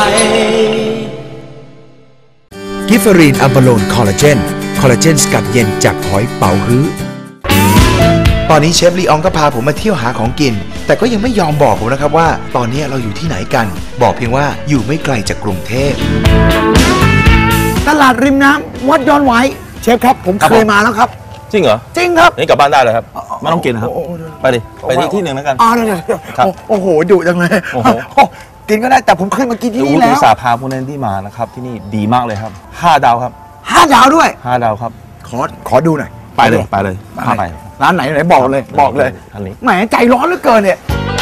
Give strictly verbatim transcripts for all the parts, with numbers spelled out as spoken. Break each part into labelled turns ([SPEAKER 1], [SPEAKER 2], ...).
[SPEAKER 1] กิฟเฟอรีนอัมบาโลนคอลลาเจนคอลลาเจนสกัดเย็นจากหอยเป๋าฮื้อตอนนี้เชฟลีอองก็พาผมมาเที่ยวหาของกินแต่ก็ยังไม่ยอมบอกผมนะครับว่าตอนนี้เราอยู่ที่ไหนกันบอกเพียงว่าอยู่ไม่ไกลจากกรุงเทพตลาดริมน้ำวัดดอนไหวเชฟครับผมเคยมาแล้วครับ
[SPEAKER 2] จริงเหรอ
[SPEAKER 1] จริงครับ
[SPEAKER 2] นี่กลับบ้านได้เลยครับไม่ต้องกินนะครับไปดิไปที่ที่หนึ่งแล้วกัน
[SPEAKER 1] อ๋อเดี๋ยวโอ้โหดุจังเลยกินก็ได้แต่ผมเคยมากินที่นี่แล้ว
[SPEAKER 2] อุตสาห์พาพวกนั้นที่มานะครับที่นี่ดีมากเลยครับห้าดาวครับ
[SPEAKER 1] ห้าดาวด้วย
[SPEAKER 2] ห้าดาวครับ
[SPEAKER 1] ขอขอดูหน่อย
[SPEAKER 2] ไปเลยไปเลยไป
[SPEAKER 1] ร้านไหนไหนบอกเลยบอกเลย
[SPEAKER 2] อันนี้
[SPEAKER 1] แหมใจร้อนเหลือเกินเนี่ย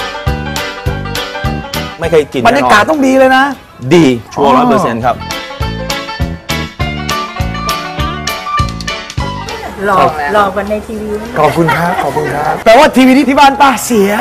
[SPEAKER 2] ไม่เคยกิน
[SPEAKER 1] บรรยากาศต้องดีเลยนะ
[SPEAKER 2] ดีชัวร์ร้อยเปอร์เซ็นต์ครับ
[SPEAKER 3] รอรอกันในทีวี
[SPEAKER 1] ขอบคุณครับขอบคุณครับแต่ว่าทีวีที่ที่บ้านป้าเสีย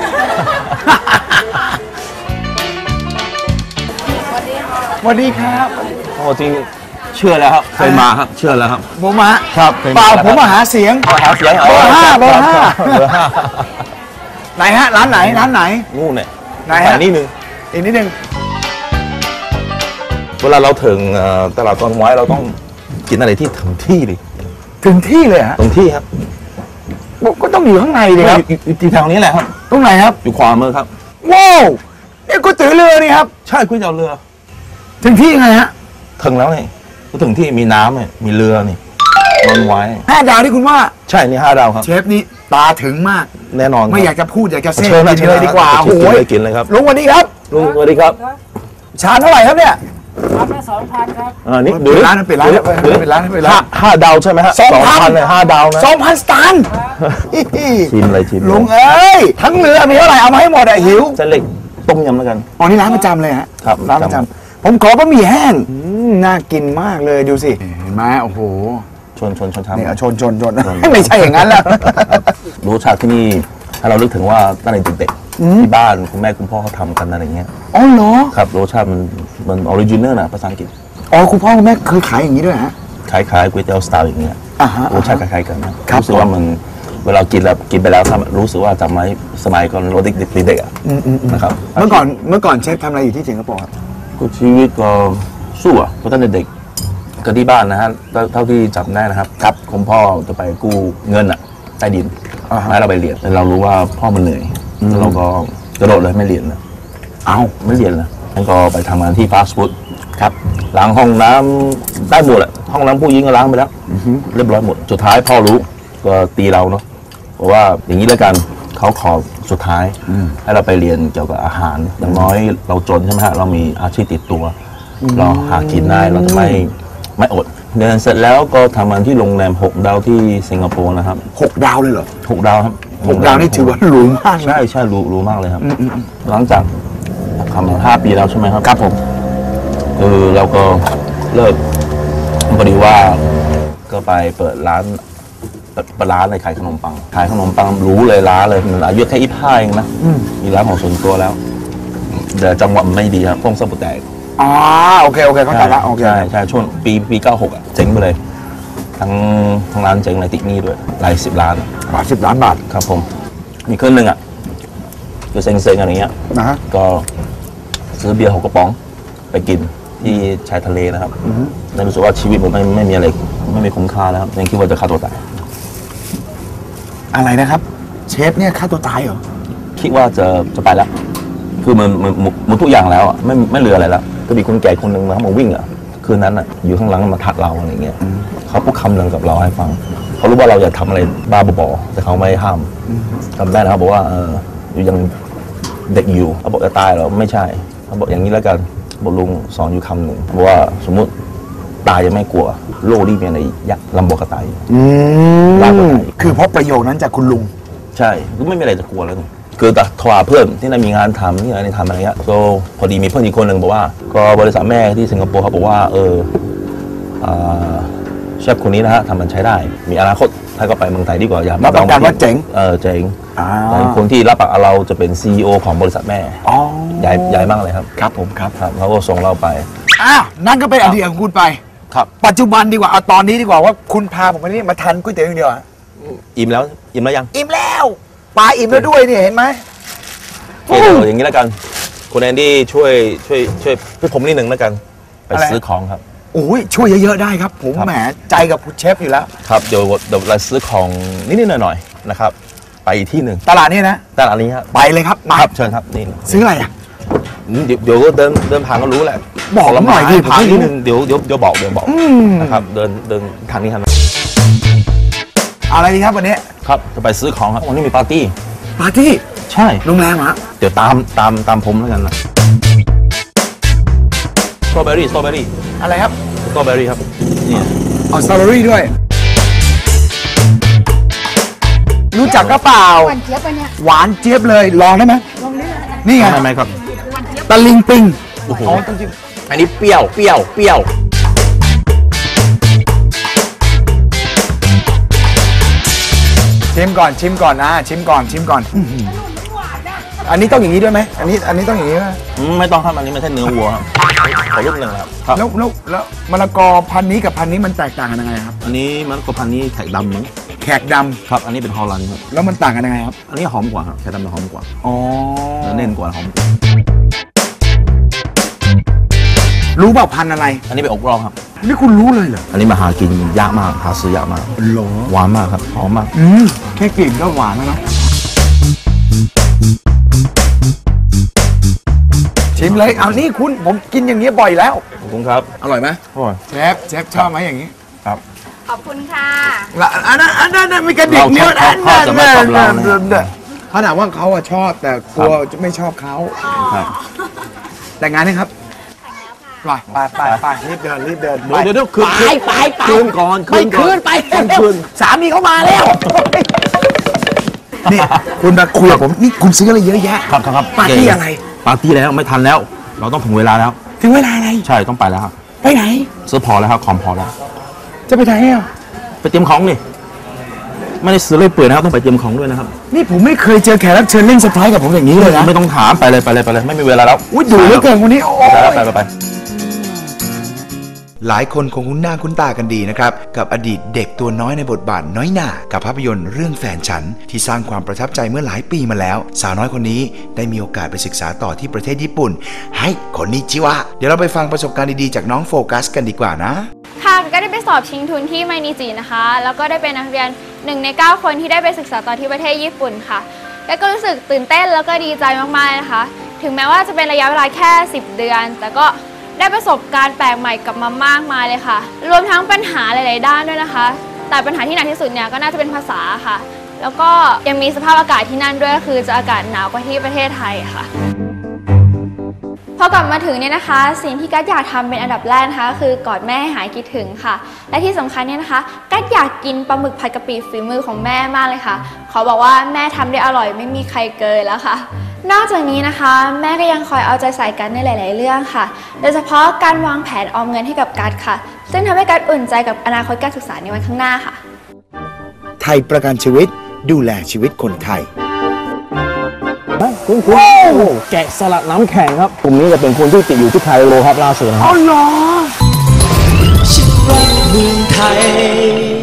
[SPEAKER 1] สวัสดีครับ
[SPEAKER 2] โอ้จริงเชื่อแล้วครับเคยมาครับเชื่อแล้วครับ
[SPEAKER 1] ผมมา
[SPEAKER 2] ครับ
[SPEAKER 1] เปล่าผมมาหาเสียง
[SPEAKER 2] หาเสียง
[SPEAKER 1] เบอร์ห้าเบอร์ห้าเบอร์ห้าไหนฮะร้านไหนร้านไหน
[SPEAKER 2] นู่นเนี่ย
[SPEAKER 1] ไหนฮะ
[SPEAKER 2] นี่นึง
[SPEAKER 1] อีกนิดนึง
[SPEAKER 2] เวลาเราถึงตลาดต้นไม้เราต้องกินอะไรที่ถึงที่ดิ
[SPEAKER 1] ถึงที่เลยฮะ
[SPEAKER 2] ถึงที่ครับ
[SPEAKER 1] ก็ต้องอยู่ข้างในเลยครับ
[SPEAKER 2] ที่แถวนี้แหละครับ
[SPEAKER 1] ตรงไหนครับ
[SPEAKER 2] อยู่ขวามือครับ
[SPEAKER 1] ว้าวนี่ก๋วยเตี๋ยวเรือนี่ครับ
[SPEAKER 2] ใช่ก๋วยเตี๋ยวเรือ
[SPEAKER 1] ถึงที่ไงฮะ
[SPEAKER 2] ถึงแล้วนี่ก็ถึงที่มีน้ำเนี่ยมีเรือนี่นอนไว้
[SPEAKER 1] ห้าดาวที่คุณว่า
[SPEAKER 2] ใช่นี่ห้าดาวครับ
[SPEAKER 1] เชฟนี่ตาถึงมาก
[SPEAKER 2] แน่นอน
[SPEAKER 1] ไม่อยากจะพูดอยากจะเซ่
[SPEAKER 2] กิน
[SPEAKER 1] เลยดีกว่า
[SPEAKER 2] โอ้ยกินเลยครับ
[SPEAKER 1] ลุงสวัสดีครับ
[SPEAKER 2] ลุงสวัสดีครับ
[SPEAKER 1] ชามเท่าไหร่ครับเนี่ย
[SPEAKER 3] ชามละสองพันครับ
[SPEAKER 2] อ่านี่
[SPEAKER 1] เปิดร้านเปิดร้านเปิดร้านเปิดร้าน
[SPEAKER 2] ห้าดาวใช่ไหมฮะ
[SPEAKER 1] สองพัน
[SPEAKER 2] เลยห้าดาวนะ
[SPEAKER 1] สองพันสตางค์
[SPEAKER 2] ชิมเลยชิม
[SPEAKER 1] ลุงเอ้ยทั้งเรือมีเท่าไหร่เอามาให้หมดอะหิว
[SPEAKER 2] เส้นเล็กต้มยำแล้วกัน
[SPEAKER 1] อ๋อนี่ร้านประจำเลยฮะ
[SPEAKER 2] ครับ
[SPEAKER 1] ร้านประจำผมขอบะหมี่แห้งน่ากินมากเลยดูสิเห็นไหมโอ้โห
[SPEAKER 2] ชนชนชนชาม
[SPEAKER 1] นี่ชนชนชนไม่ใช่อย่างนั้นแล้ว
[SPEAKER 2] รสชาติที่นี่ถ้าเราลึกถึงว่าตั้งแต่เด็กๆที่บ้านคุณแม่คุณพ่อเขาทำกันอะไรเงี้ย
[SPEAKER 1] อ๋อเหรอ
[SPEAKER 2] ครับรสชาติมันมันออริจินัลนะภาษาอังกฤษ
[SPEAKER 1] อ๋อคุณพ่อคุณแม่เคยขายอย่างนี้ด้วยฮะ
[SPEAKER 2] ขายขายก๋วยเตี๋ยวสไตล์อย่างเงี้ยรสชาติคล้ายๆกันนะ
[SPEAKER 1] รู้
[SPEAKER 2] สึกว่ามันเวลากินแล้วกินไปแล้วรู้สึกว่าจำไว้สมัยก่อนเราเด็กๆเด็กๆอ่ะนะครับ
[SPEAKER 1] เมื่อก่อนเมื่อก่อนเชฟทำอะไรอยู่ที่สิงคโปร์ครับ
[SPEAKER 2] ก็ชีวิตก็สู้อ่ะเพราะตั้งแต่เด็กก็ที่บ้านนะฮะเท่าที่จำได้นะครับครับคุณพ่อจะไปกู้เงินอ่ะใต้ดินให้เราไปเรียนแต่เรารู้ว่าพ่อมันเหนื่อยเราก็กระโดดเลยไม่เรียนนะ
[SPEAKER 1] เอา
[SPEAKER 2] ไม่เรียนนะงั้นก็ไปทำงานที่ฟาสต์ฟู้ดครับล้างห้องน้ำได้หมดแหละห้องน้ำผู้หญิงก็ล้างไปแล้วเรียบร้อยหมดสุดท้ายพ่อรู้ก็ตีเราเนาะบอกว่าอย่างนี้แล้วกันเขาขอสุดท้ายให้เราไปเรียนเกี่ยวกับอาหารอย่างน้อยเราจนใช่ไหมฮะเรามีอาชีพติดตัวเราหากินได้เราจะไม่ไม่อดเรียนเสร็จแล้วก็ทำงานที่โรงแรมหกดาวที่สิงคโปร์นะครับ
[SPEAKER 1] หกดาวเลยเหรอ
[SPEAKER 2] หกดาวครับ
[SPEAKER 1] หกดาวนี่ถือว่าหรูมาก
[SPEAKER 2] ใช่ใช่หรูหรูมากเลยครับหลังจากทำมาห้าปีแล้วใช่ไหมครับ
[SPEAKER 1] ครับผม
[SPEAKER 2] เออเราก็เลิกพอดีว่าก็ไปเปิดร้านเปิดร้านในขายขนมปังขายขนมปังรู้เลยร้านเลยมันอายุแค่ยี่สิบห้าเองนะมีร้านของส่วนตัวแล้วแต่จังหวะมันไม่ดีครับพงสมุทรแตก
[SPEAKER 1] อ๋อโอเคโอเคเข้าใจละโอเค
[SPEAKER 2] ใช่ใช่ช่วงปีปีเก้าหกอ่ะเจ๊งไปเลยทั้งทั้งร้านเจ๊งในติดหนี้ด้วยหลายสิบล้าน
[SPEAKER 1] หลายสิบล้านบาท
[SPEAKER 2] ครับผมมีคืนหนึ่งอ่ะก็เซ็งๆอะไรเงี้ย
[SPEAKER 1] นะฮะ
[SPEAKER 2] ก็ซื้อเบียร์หกกระป๋องไปกินที่ชายทะเลนะครับได้รู้สึกว่าชีวิตผมไม่ไม่มีอะไรไม่มีคุ้มค่าแล้วครับยังคิดว่าจะฆ่าตัวตาย
[SPEAKER 1] อะไรนะครับเชฟเนี่ยฆ่าตัวตายเหรอ
[SPEAKER 2] คิดว่าจะจะไปแล้วคือมันมันมันทุกอย่างแล้วอ่ะไม่ไม่เหลืออะไรแล้วก็มีคนแก่คนหนึ่งมาเขามาวิ่งอ่ะคืนนั้นอ่ะอยู่ข้างหลังมาทักเราอะไรเงี้ยเขาพูดคำหนึ่งกับเราให้ฟังเขารู้ว่าเราอยากทำอะไรบ้าบอแต่เขาไม่ห้ามจำได้นะครับบอกว่าเอออยู่ยังเด็กอยู่เขาบอกจะตายเหรอไม่ใช่เขาบอกอย่างนี้แล้วกันบอกลุงสอนอยู่คำหนึ่งบอกว่าสมมุติตายยังไม่กลัวโลกนี้เป็นอะไรยักษ์ลำบากกระตาย
[SPEAKER 1] ลากกระตายคือเพราะประโยคนั้นจากคุณลุง
[SPEAKER 2] ใช่ก็ไม่มีอะไรจะกลัวแล้วคือแต่โทรหาเพื่อนที่นั่นมีงานทำที่ไหนทำอะไรเงี้ยก็พอดีมีเพื่อนอีกคนหนึ่งบอกว่าก็บริษัทแม่ที่สิงคโปร์เขาบอกว่าเออเชฟคนนี้นะฮะทำมันใช้ได้มีอนาคตถ้าก็ไปเมืองไทยดีกว่าอย่า
[SPEAKER 1] รับประกันว่าเจ๋ง
[SPEAKER 2] เออเจ๋งแต่คนที่รับปากเราจะเป็น ซี อี โอ ของบริษัทแม่
[SPEAKER 1] อ๋อ
[SPEAKER 2] ใหญ่ใหญ่มากเลยครับ
[SPEAKER 1] ครับผมครับ
[SPEAKER 2] ครับเขาก็ส่งเราไป
[SPEAKER 1] อ้าวนั่นก็เป็นอดีตของคุณไป
[SPEAKER 2] ครับ
[SPEAKER 1] ปัจจุบันดีกว่าเอาตอนนี้ดีกว่าว่าคุณพาผมมานี่มาทานก๋วยเตี๋ยวอย่างเดียว
[SPEAKER 2] อิ่มแล้วอิ่มแล้วยัง
[SPEAKER 1] อิ่มแล้วปลาอิ่มแล้วด้วยนี่เห็นไหม
[SPEAKER 2] โอเคอย่างนี้แล้วกันคุณแอนดี้ช่วยช่วยช่วยช่วยผมนิดหนึ่งแล้วกันไปซื้อของครับ
[SPEAKER 1] โอ้ยช่วยเยอะๆได้ครับ ผมแหมใจกับเชฟอยู่แล้ว
[SPEAKER 2] ครับเดี๋ยวเดี๋ยวเราซื้อของนิดๆหน่อยๆนะครับไปอีกที่หนึ่ง
[SPEAKER 1] ตลาดนี้นะ
[SPEAKER 2] ตลาดนี้ครับ
[SPEAKER 1] ไปเลยครับมา
[SPEAKER 2] ครับเชิญครับนี่
[SPEAKER 1] ซื้ออะไรอ่ะ
[SPEAKER 2] เดี๋ยวเดี๋ยวเดินเดินผ่านก็รู้แหละ
[SPEAKER 1] บอกหน่อยดิ
[SPEAKER 2] ผลไม้นิดนึงเดี๋ยวเดี๋ยวเดี๋ยวบอกเดี๋ยวบอกนะครับเดินเดินทางนี้ครับ
[SPEAKER 1] อะไรดีครับวันนี้
[SPEAKER 2] ครับจะไปซื้อของครับวันนี้มีปาร์ตี้
[SPEAKER 1] ปาร์ตี้
[SPEAKER 2] ใช่
[SPEAKER 1] โรงแรมฮะ
[SPEAKER 2] เดี๋ยวตามตามตามผมแล้วกันนะสตรอเบอรี่สตรอเบอรี่
[SPEAKER 1] อะไรครับ
[SPEAKER 2] สตรอเบอรี่ครับนี่
[SPEAKER 1] เอาสตรอเบอรี่ด้วย รู้จักก็เปล่า
[SPEAKER 3] หวานเจี๊ยบอันเนี้ย
[SPEAKER 1] หวานเจี๊ยบเลยลองได้ไหม
[SPEAKER 3] ลองได้เลย
[SPEAKER 1] นี่ไง
[SPEAKER 2] ทำไมครับ
[SPEAKER 1] ตะลิงปิง
[SPEAKER 2] โอ้โหอันนี้เปรี้ยวเปรี้ยวเปรี้ยว
[SPEAKER 1] ชิมก่อนชิมก่อนนะชิมก่อนชิมก่อนอื้อหืออันนี้ต้องอย่างนี้ด้วยไหมอันนี้อันนี้ต้องอย่างนี้ไหม
[SPEAKER 2] อืมไม่ต้องครับอันนี้ไม่ใช่เนื้อวัวครับขอรูปหนึ่งครับครับ
[SPEAKER 1] แล้วแล้วแล้วมะละกอพันธุ์นี้กับพันธุ์นี้มันแตกต่างกันยังไงครับ
[SPEAKER 2] อันนี้มันก็พันธุ์นี้แขกดำมั้ง
[SPEAKER 1] แขกดำ
[SPEAKER 2] ครับอันนี้เป็นฮอลแลนด์ครับ
[SPEAKER 1] แล้วมันต่างกันยังไงครับ
[SPEAKER 2] อันนี้หอมกว่าครับแขกดำจะหอมกว่า
[SPEAKER 1] อ๋อ
[SPEAKER 2] เนื้อเน้นกว่าหอมกว่า
[SPEAKER 1] รู้เปล่าพันธุ์อะไร
[SPEAKER 2] อันนี้เป็นอกรองครับ
[SPEAKER 1] นี่คุณรู้เลยเหรอ
[SPEAKER 2] อันนี้มาหากินยากมากหาซื้อยากมาก
[SPEAKER 1] หรอ
[SPEAKER 2] หวานมากครับหอมมาก
[SPEAKER 1] อืมแค่กลิ่นก็หวานแล้วนะชิมเลยเอานี่คุณผมกินอย่างนี้ยบ่อยแล้ว
[SPEAKER 2] ขอบคุณครับ
[SPEAKER 1] อร่อยไหม
[SPEAKER 2] อร่อย
[SPEAKER 1] เชฟเชฟชอบไหมอย่างนี้
[SPEAKER 2] ครับ
[SPEAKER 3] ขอบคุณค่ะ
[SPEAKER 1] ละอันนั้นอันนั้นมีกระดิกนิ้ว
[SPEAKER 2] เขาเขาจะไม่ชอบเรานะ
[SPEAKER 1] ขนาดว่าเขาอะชอบแต่กลัวจะไม่ชอบเขา
[SPEAKER 2] ครับ
[SPEAKER 1] แต่งงานนะครับไปไปไปไปรีบเดินรีบเดิน
[SPEAKER 2] เดี๋ยวเดี๋ยวเดี๋ยวคืน
[SPEAKER 1] ไปไปไป
[SPEAKER 2] คืนก่อนคืนก่อน
[SPEAKER 1] คืนไป
[SPEAKER 2] ต้องคืน
[SPEAKER 1] สามีเขามาแล้วนี่คุณมาคุยกับผมนี่คุณซื้ออะไรเยอะแยะ
[SPEAKER 2] ครับครับครับ
[SPEAKER 1] ปาร์ตี้อะไร
[SPEAKER 2] ปาร์ตี้แล้วไม่ทันแล้ว เราต้องถึงเวลาแล้ว
[SPEAKER 1] ถึงเวลาอะไร
[SPEAKER 2] ใช่ต้องไปแล้วครับ
[SPEAKER 1] ไปไหน
[SPEAKER 2] ซื้อพอแล้วครับคอมพอแล้ว
[SPEAKER 1] จะไปไหนอ่ะ
[SPEAKER 2] ไปเตรียมของนี่ไม่ได้ซื้อเลยเปื่อยนะครับต้องไปเตรียมของด้วยนะครับ
[SPEAKER 1] นี่ผมไม่เคยเจอแขกรับเชิญเล่นเซอร์ไพรส์กับผมอย่างนี้เลยนะ
[SPEAKER 2] ไม่ต้องถามไปเลยไปเลยไปเลยไม่มีเวลาแล้ว
[SPEAKER 1] อุ้ยดูเหลือเกินคนนี้โอ้
[SPEAKER 2] ไปแล้ว
[SPEAKER 1] ย
[SPEAKER 2] ไปไปไป
[SPEAKER 1] หลายคนคงคุ้นหน้าคุ้นตากันดีนะครับกับอดีตเด็กตัวน้อยในบทบาทน้อยหน่ากับภาพยนตร์เรื่องแฟนฉันที่สร้างความประทับใจเมื่อหลายปีมาแล้ว สาวน้อยคนนี้ได้มีโอกาสไปศึกษาต่อที่ประเทศญี่ปุ่นให้คนนี้จิวะเดี๋ยวเราไปฟังประสบการณ์ดีๆจากน้องโฟกัสกันดีกว่านะ
[SPEAKER 4] ค่ะก็ได้ไปสอบชิงทุนที่ไมนิจินะคะ แล้วก็ได้เป็นนักเรียนหนึ่งในเก้าคนที่ได้ไปศึกษาต่อที่ประเทศญี่ปุ่นค่ะ แล้วก็รู้สึกตื่นเต้นแล้วก็ดีใจมากๆนะคะ ถึงแม้ว่าจะเป็นระยะเวลาแค่สิบเดือน แต่ก็ได้ประสบการณ์แปลกใหม่กลับมามากมายเลยค่ะ รวมทั้งปัญหาหลายๆด้านด้วยนะคะ แต่ปัญหาที่หนักที่สุดเนี่ยก็น่าจะเป็นภาษาค่ะ แล้วก็ยังมีสภาพอากาศที่นั่นด้วยก็คือจะอากาศหนาวกว่าที่ประเทศไทยค่ะพอกลับมาถึงเนี่ยนะคะสิ่งที่กัดอยากทำเป็นอันดับแรกนะคะคือกอดแม่ให้หายคิดถึงค่ะและที่สำคัญเนี่ยนะคะกัดอยากกินปลาหมึกผัดกะปิฝีมือของแม่มากเลยค่ะขอบอกว่าแม่ทำได้อร่อยไม่มีใครเกินแล้วค่ะนอกจากนี้นะคะแม่ก็ยังคอยเอาใจใส่กัดในหลาย ๆ เรื่องค่ะโดยเฉพาะการวางแผนออมเงินให้กับกัดค่ะซึ่งทำให้กัดอุ่นใจกับอนาคตการศึกษาในวันข้างหน้าค่ะ
[SPEAKER 1] ไทยประกันชีวิตดูแลชีวิตคนไทย
[SPEAKER 2] คุณคุณแกะสลัดน้ำแข็งครับกลุ่มนี้จะเป็นคนที่ติดอยู่ที่ไคโรครับล่าสุดนะครับ
[SPEAKER 1] อ๋อเหรอ
[SPEAKER 5] ฉันรักเมืองไทย